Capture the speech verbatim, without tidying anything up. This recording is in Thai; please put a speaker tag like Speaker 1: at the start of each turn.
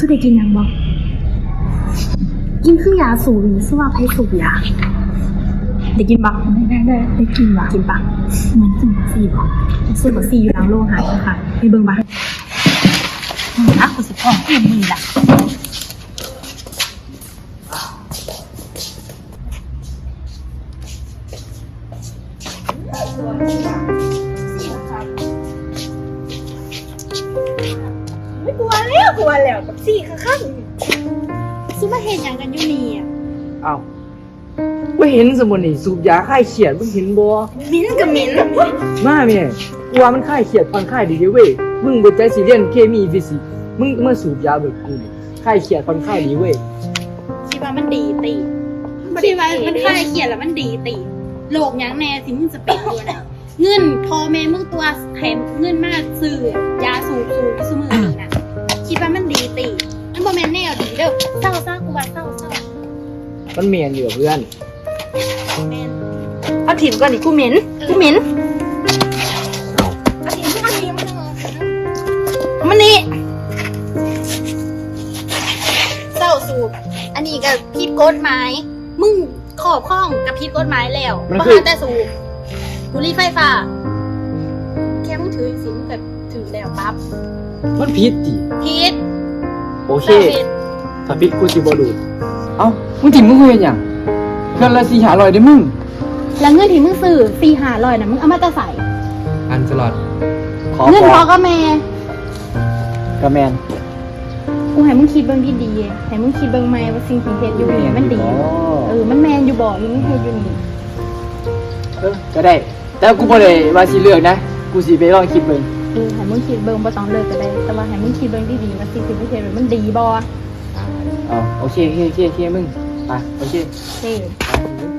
Speaker 1: ได้กินยังบ่กินคือยาสูบนี่ซึ่งว่าไผสูบยาได้กินบ่ได้ได้ได้กินว่ะกินปะเหมือนซื้อบักซี่บ่ซื้อบักซี่อยู่หลังโรงอาหารค่ะไปเบิ่งบ่อ่ะกูสิท้องกูมึงล่ะไม่กลัวแล้วกลัวแล้วบักซี่ข้างๆซื้อมาเฮ็ดหยังกันอยู่นี่อ่ะ
Speaker 2: อ้าวว่าเห็นสมุนนี่สูบยาคลายเครียดมึงเห็นบ่
Speaker 1: มิ้นกับมิ้น
Speaker 2: มาแม่กูว่ามันคลายเครียดผ่อนคลายดีเด้เว้ยมึงบ่ใจสิเรียนเคมีฟิสิกส์มึงมาสูบยาแบบกูนี่คลายเครียดผ่อนคลายดีเว้ย
Speaker 1: คิดว่ามันดีตีคิดว่ามันคลายเครียดแล้วมันดีตีโลกหยังแน่สิมึงจะเป็นตัวไหนเงินพ่อแม่มึงตัวแถมเงินมาซื้อยาสูบสูบซุมื้อนี้นะคิดว่ามันดีตีมันบ่แม่นแนวดีเด้อเศร้าซะกูว่าเศร้าเศร้า
Speaker 2: มันเมียนอยู่กับเพื่อน
Speaker 1: แม่นเอาถิ่มก่อนดิกูเหม็นกูเหม็น
Speaker 2: เอา
Speaker 1: เอาถิ่มกูเอาถิ่มมันนี่เศร้าสูบอันนี้ก็ผิดกฎหมายมึงขอบข้องกับผิดกฎหมายแล้วบ่หาแต่สูบบุหรี่ไฟฟ้าแค่มึงถือสิมึงแบบถือแล้วปั๊บ
Speaker 2: มันผิดติ
Speaker 1: ผิด
Speaker 2: โอเค
Speaker 1: เศร้าผิด
Speaker 2: ถ้าผิดกูสิบ่ดูดเอ้ามึงถิ่มมึงคุยกันหยังเงินละสี่ห้าร้อยได้มึง
Speaker 1: แล้วเงินที่มึงซื้อสี่ห้าร้อยน่ะมึงเอามาแต่ใส่
Speaker 2: อันสลอดขอ
Speaker 1: เงิน
Speaker 2: ข
Speaker 1: พ
Speaker 2: อ
Speaker 1: อก็แม่
Speaker 2: กระแมน
Speaker 1: กูให้มึงคิดเบิ่งดีๆให้มึงคิดเบิ่งใหม่ว่าสิ่งที่เฮ็ดอยู่นี่มันดี เออ มันแมนอยู่บ่มึงเฮ็ดอยู่นี่
Speaker 2: เออก็ได้ แต่กูบ่ได้ว่าสิเลือกนะ กูสิไปลองคิดเบิ่ง
Speaker 1: เออให้มึงคิดเบิ่งบ่ต้องเลิกก็ได้ แต่ว่าให้มึงคิดเบิ่งดีๆว่าสิ่งที่มึงเฮ็ดมันดีบ่
Speaker 2: อ๋อโอเคโอเคโอเคโอเคมึงไปโอเค
Speaker 1: เด้